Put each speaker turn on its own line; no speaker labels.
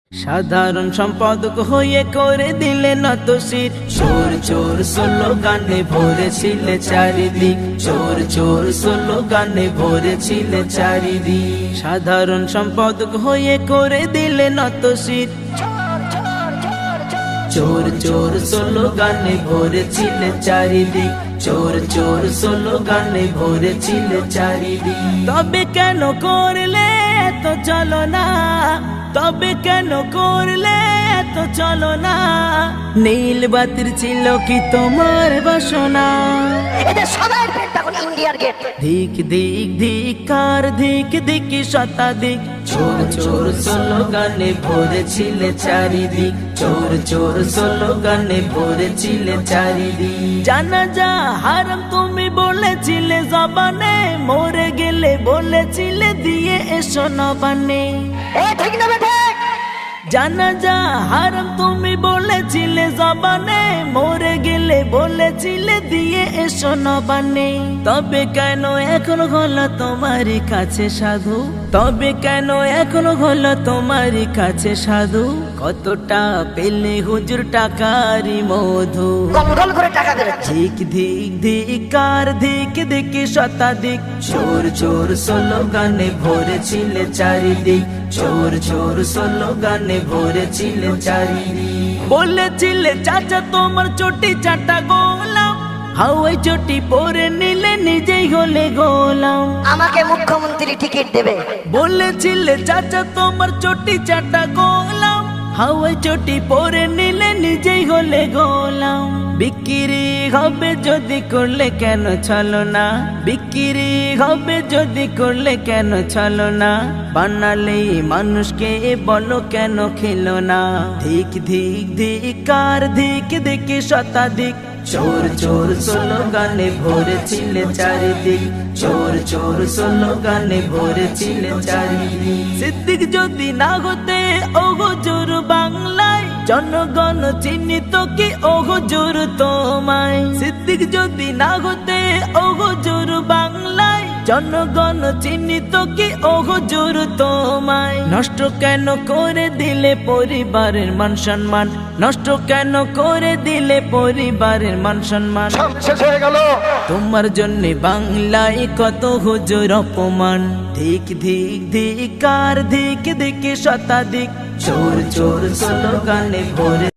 সাধারণ সম্পাদক হয়ে করে দিলে নত শির। চোর চোর স্লোগানে ভরেছিলে চারিদিক, চোর চোর স্লোগানে ভরেছিলে চারিদিক। সাধারণ সম্পাদক হয়ে করে দিলে নত শির। চোর চোর স্লোগানে ভরেছিলে চারিদিক, চোর চোর স্লোগানে ভরেছিলে চারিদিক। তবে কেন করলে এত চলো না, তবে কেন করলে এত চলো না? নীল বাতির ছিল কি তোমার বাসনা?
এদের সবার পেট তখন ইন্ডিয়ার গেট।
ধিক ধিক ধিকার ধিক ধিকি শতাধিক, চোর চোর স্লোগানে ভরেছিলে চারিদিক, চোর চোর স্লোগানে ভরেছিলে চারিদিক। জানাজা হারাম তুমি বলেছিলে জবানে, মরে গেলে বলেছিলে দিয়ে এসো নবানে।
ঠিক না বেঠে?
জানাজা হারাম তুমি বলেছিলে জবানে, মরে গেলে বলেছিলে দিয়ে এসো নবানে। তবে কেন এখন হলো তোমার কাছে সাধু? তবে কেন এখন হলো তোমার কাছে সাধু? কতটা পেলে হুজুর টাকারি মধু?
গল করে টাকা দেবে।
ধিক ধিক ধিকার ধিক ধিকি শতাধিক, চোর চোর স্লোগানে ভরেছিলে চারিদিক, চোর চোর স্লোগানে ভরেছিলে চারিদিক। বলেছিলে চাচা তোমার চটি চাটা গোলাম, হাওয়াই চটি পরে নিলে নিজেই হলে গোলাম।
আমাকে মুখ্যমন্ত্রী টিকিট দেবে।
বলেছিলে চাচা তোমার চটি চাটা গোলাম, হাওয়াই চটি পরে নিলে নিজেই হলে গোলাম। বিক্রি হবে যদি করলে কেন চলো না? বিক্রি হবে যদি করলে কেন চলো না? বানালে মানুষকে বলো কেন খেলো না? ধিক ধিক ধিকার ধিক ধিকি শতাধিক, চোর চোর স্লোগানে ভরেছিলে চারিদিক, চোর চোর স্লোগানে ভরেছিলে চারিদিক। সিদ্দিক যদি না হতে ও হুজুর বাংলায়, জনগণ চিহ্নিত কি ও হুজুর তোমায়? সিদ্দিক যদি না হতে ও হুজুর বাংলায়, জনগণ চিহ্নিত কি ও হুজুর তোমায়? নষ্ট কেন করে দিলে পরিবারের মান সম্মান? নষ্ট কেন করে দিলে পরিবারের মান সম্মান?
শেষ হয়ে গেল।
তোমার জন্য বাংলায় কত হুজুর অপমান। ধিক ধিক ধিকার ধিক ধিকি শতাধিক, চোর চোর স্লোগানে ভরে